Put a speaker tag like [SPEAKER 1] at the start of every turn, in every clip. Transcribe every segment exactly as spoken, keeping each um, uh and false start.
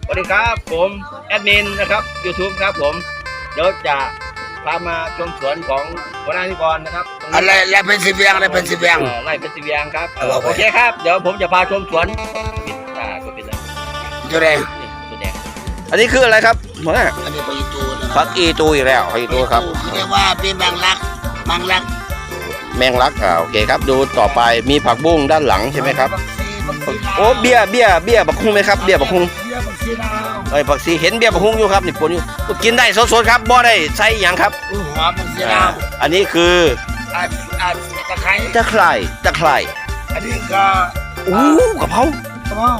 [SPEAKER 1] วัสดีครับผมแอดมินนะครับ YouTube ครับผมเดี๋ยวจะพามาชมสวนของหัวหน้านิกรนะครับ
[SPEAKER 2] อะไรอะไรเป็นสิบเวียงอะไรเป็นสิบเวียง
[SPEAKER 1] ไร่เป็นสิบเวียงครับโอเคครับเดี๋ยวผมจะพาชมสวนอ่าก็เป็นอะไร
[SPEAKER 2] ตัวแดง
[SPEAKER 1] ตัวแดงอันนี้คืออะไรครับหัวหน้า
[SPEAKER 2] อันนี้ปอีตูนะ
[SPEAKER 1] ผักอีตูอีกแล้วผักอีตูครับ
[SPEAKER 2] เรียกว่าเป็นบางรักบางรัก
[SPEAKER 1] แมงลักอ่าโอเคครับดูต่อไปมีผักบุ้งด้านหลังใช่ไหมครับโอ้เบี้ยเบี้ยเบี้ยบักฮุงไหมครับเบี้ยบักฮุงไอ้ผักซีเห็นเบี้ยบักฮุงอยู่ครับนี่ปนอยู่กินได้สดๆครับบ่ได้ใส่หยังครับ
[SPEAKER 2] หอมสีดาว
[SPEAKER 1] อันนี้คือ
[SPEAKER 2] อ่าอ่าตะไคร้
[SPEAKER 1] ตะไคร่ตะไคร่
[SPEAKER 2] อันนี้ก็
[SPEAKER 1] อู้กะเพราก
[SPEAKER 2] ระเพรา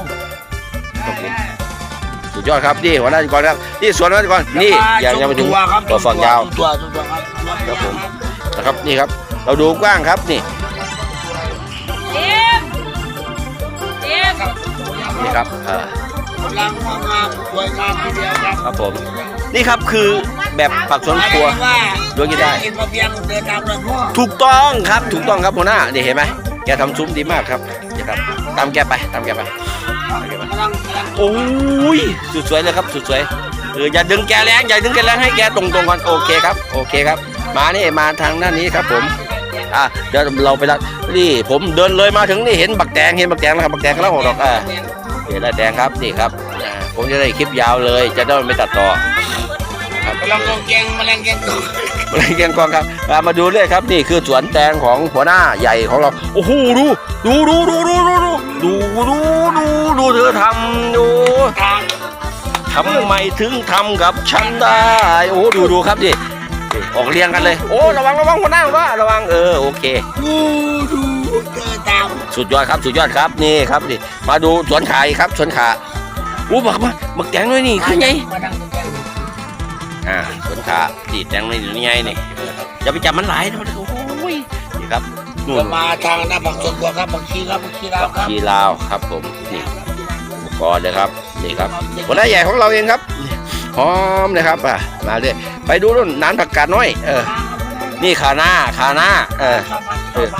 [SPEAKER 1] สุดยอดครับนี่หัวหน้านิกรครับนี่สวนหัวหน้านิกรนี่ยังยังไม่ถึงตัวฝักยาว
[SPEAKER 2] ตัวตัวครับ
[SPEAKER 1] ครับผมนะครับนี่ครับเราดูกว้างครับนี่
[SPEAKER 3] เจมเจม
[SPEAKER 1] นี่ครับอ่าก
[SPEAKER 2] ำลังงามสวยงามทีเดียวครับ
[SPEAKER 1] ครับผมนี่ครับคือแบบผักสวนครัว
[SPEAKER 2] ว่า
[SPEAKER 1] ด้วยกันได้
[SPEAKER 2] เอ็นมาเพียงเดินตามรอยพ่อ
[SPEAKER 1] ถูกต้องครับถูกต้องครับหัวหน้านี่เห็นไหมแกทำซุ้มดีมากครับนี่ครับตามแกไปตามแกไป
[SPEAKER 2] กำลังกำลัง
[SPEAKER 1] โอ้ยสุดสวยเลยครับสุดสวยเอออย่าดึงแกแรงอย่าดึงแกแรงให้แกตรงตรงๆก่อนโอเคครับโอเคครับมานี่มาทางด้านนี้ครับผมอ่ะเดี๋ยวเราไปละนี่ผมเดินเลยมาถึงนี่เห็นบักแตงเห็นบักแตงแล้วครับบักแตงแล้วหกดอกอ่าเห็นได้แตงครับนี่ครับอ่าผมจะได้คลิปยาวเลยจะได้ไม่ตัดต่อครับ
[SPEAKER 2] กำลังกองแกงแมลงแกงกอง
[SPEAKER 1] มาเรียนกองครับอ่ามาดูเลยครับนี่คือสวนแตงของหัวหน้าใหญ่ของเราโอ้โหดูดูดูดูดูดูดูดูดูดูเธอทำดู
[SPEAKER 2] ทาง
[SPEAKER 1] ทำไมถึงทำกับฉันได้โอ้ดูดูครับดิออกเรียงกันเลยโอ้ระวังระวังหัวหน้าว่าระวังเออโอเค
[SPEAKER 2] ดูดูเดินตาม
[SPEAKER 1] สุดยอดครับสุดยอดครับนี่ครับดิมาดูสวนขาอีกครับสวนขาอู้บักบักบักแตงด้วยนี่คือไง
[SPEAKER 2] มาดังแกง
[SPEAKER 1] อ่าสวนขาดีแตงด้วยนี่ไงนี่อย่าไปจับมันหลายนะโอ้ยนี่ครับนู่
[SPEAKER 2] ก็
[SPEAKER 1] น
[SPEAKER 2] มาทางหน้าผักสวนครัวครับผักชีครับผักชีลาวครับ
[SPEAKER 1] ชีลาวครับผมนี่อุปกรณ์เลยครับนี่ครับหัวหน้าใหญ่ของเราเองครับหอมนะครับอ่ะมาเลยไปดูนู่นน้ำผักกาดน้อยเออนี่ขาหน้าขาหน้าเออ เออ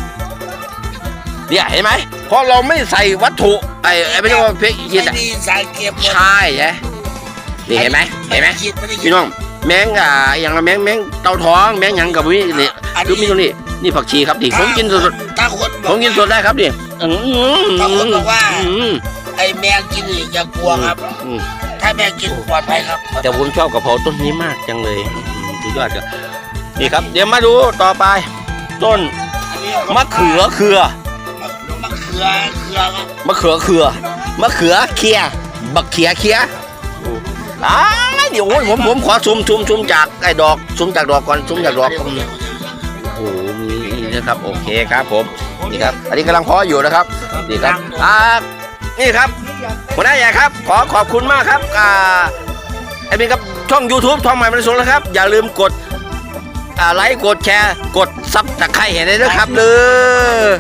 [SPEAKER 1] เนี่ยเห็นไหมเพราะเราไม่ใส่วัตถุไอ้ไอ้ไม่ใช่ว่าเพชรหิน
[SPEAKER 2] ไม่
[SPEAKER 1] อ่ะ
[SPEAKER 2] ดีสายเก็บ
[SPEAKER 1] ใช่ใช่นี่เห็นไหมเห็นไหมพี่น้องแมงอ่ะอย่างละแมงแมงเต่าท้องแมงหยังกับวินี่คือมีตรงนี้นี่ผักชีครับดิผมกินสด
[SPEAKER 2] ถ้าคน
[SPEAKER 1] ๆผมกินสดได้ครับดิอืม
[SPEAKER 2] ถ้าคนบอกว่า
[SPEAKER 1] อืม
[SPEAKER 2] ไอ้แมงกินนี่อย่ากลัวครับ
[SPEAKER 1] อืม
[SPEAKER 2] ถ้าแมงกินปลอดภัยครับ
[SPEAKER 1] แต่ผมชอบกะเพราต้นนี้มากจังเลยสุดยอดครับนี่ครับ เดี๋ยวมาดูต่อไป ต้น
[SPEAKER 2] อันนี้
[SPEAKER 1] มะเขือเขือ
[SPEAKER 2] มะเขือเขือครับ
[SPEAKER 1] มะเขือเขือมะเขือเคียบักเขียเคียอ้ายเดี๋ยวโอ้ยผมผมขอซูมซูมซูมจากไอ้ดอกซูมจากดอกก่อนซูมจากดอกอืมโอ้โหมีนี่นะครับโอเคครับผมนี่ครับ อันนี้กำลังเพาะอยู่นะครับนี่ครับอ่านี่ครับหัวหน้าใหญ่ครับขอขอบคุณมากครับอ่าไอ้เป็นครับช่อง YouTube ทองใหม่บรรสุนะครับอย่าลืมกดอ่าไลค์กดแชร์กดซับตะไคร้เห็นได้ด้วยครับเลย